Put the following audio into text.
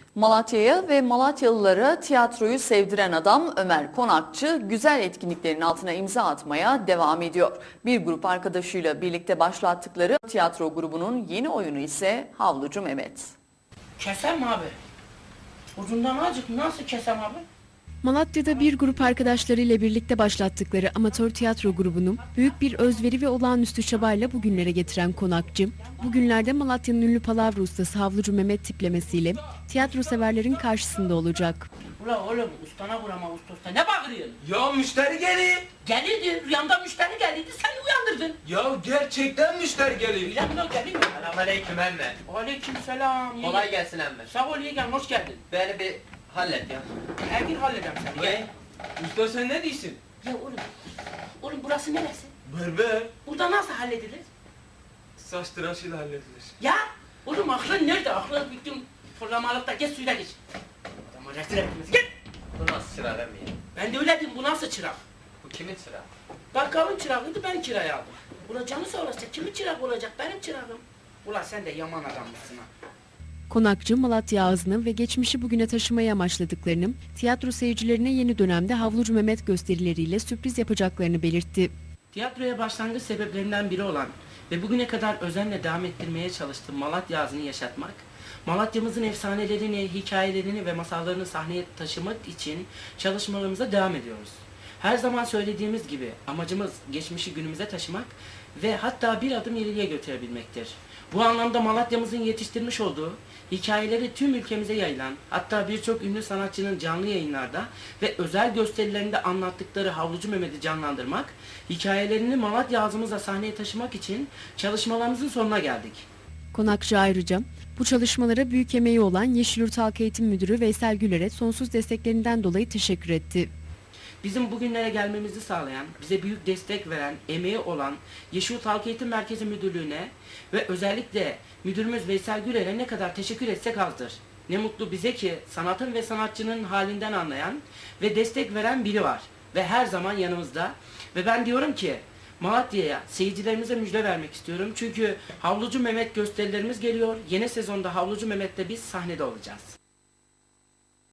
Malatya'ya ve Malatyalılara tiyatroyu sevdiren adam Ömer Konakçı güzel etkinliklerin altına imza atmaya devam ediyor. Bir grup arkadaşıyla birlikte başlattıkları tiyatro grubunun yeni oyunu ise Havlucu Mehmet. Kesem abi. Ucundan azıcık nasıl kesem abi? Malatya'da bir grup arkadaşlarıyla birlikte başlattıkları amatör tiyatro grubunu büyük bir özveri ve olağanüstü çabayla bugünlere getiren Konakçı, bugünlerde Malatya'nın ünlü palavra ustası Havlucu Mehmet tiplemesiyle tiyatro severlerin karşısında olacak. Ula oğlum ustana vurama usta ne bağırıyorsun? Ya müşteri geliyor. Gelirdi rüyamda müşteri gelirdi sen uyandırdın. Ya gerçekten müşteri geliyor. Rüyamda geliyor. Selamünaleyküm emme. Aleyküm selam. Kolay gelsin emme. Sağ ol yeğen hoş geldin. Beni bir hallet ya. Ergin halledem seni gel. Usta sen ne diyorsun? Ya oğlum burası neresi? Berber. Burada nasıl halledilir? Saç tıraşıyla halledilir. Ya oğlum aklın nerede? Aklın bütün fırlamalıkta geç suyla geç. Adamı rezil ettiniz gel. Bu nasıl çırak emmi ya? Ben de öyle diyeyim bu nasıl çırak? Bu kimin çırağı? Bakkalın çırağıydı ben kiraya aldım. Ula canı sağ olasın kimin çırak olacak benim çırağım. Ula sen de yaman adammışsın ha. Konakçı, Malatya ağzını ve geçmişi bugüne taşımayı amaçladıklarını, tiyatro seyircilerine yeni dönemde Havlucu Mehmet gösterileriyle sürpriz yapacaklarını belirtti. Tiyatroya başlangıç sebeplerinden biri olan ve bugüne kadar özenle devam ettirmeye çalıştığım Malatya ağzını yaşatmak, Malatya'mızın efsanelerini, hikayelerini ve masallarını sahneye taşımak için çalışmalarımıza devam ediyoruz. Her zaman söylediğimiz gibi amacımız geçmişi günümüze taşımak ve hatta bir adım ileriye götürebilmektir. Bu anlamda Malatya'mızın yetiştirmiş olduğu hikayeleri tüm ülkemize yayılan, hatta birçok ünlü sanatçının canlı yayınlarda ve özel gösterilerinde anlattıkları Havlucu Mehmet'i canlandırmak, hikayelerini Malatya ağzımızla sahneye taşımak için çalışmalarımızın sonuna geldik. Konakçı ayrıca bu çalışmalara büyük emeği olan Yeşilyurt Halk Eğitim Müdürü Veysel Güler'e sonsuz desteklerinden dolayı teşekkür etti. Bizim bugünlere gelmemizi sağlayan, bize büyük destek veren, emeği olan Yeşilyurt Halk Eğitim Merkezi Müdürlüğü'ne ve özellikle müdürümüz Veysel Güler'e ne kadar teşekkür etsek azdır. Ne mutlu bize ki sanatın ve sanatçının halinden anlayan ve destek veren biri var ve her zaman yanımızda. Ve ben diyorum ki Malatya'ya, seyircilerimize müjde vermek istiyorum. Çünkü Havlucu Mehmet gösterilerimiz geliyor. Yeni sezonda Havlucu Mehmet'te biz sahnede olacağız.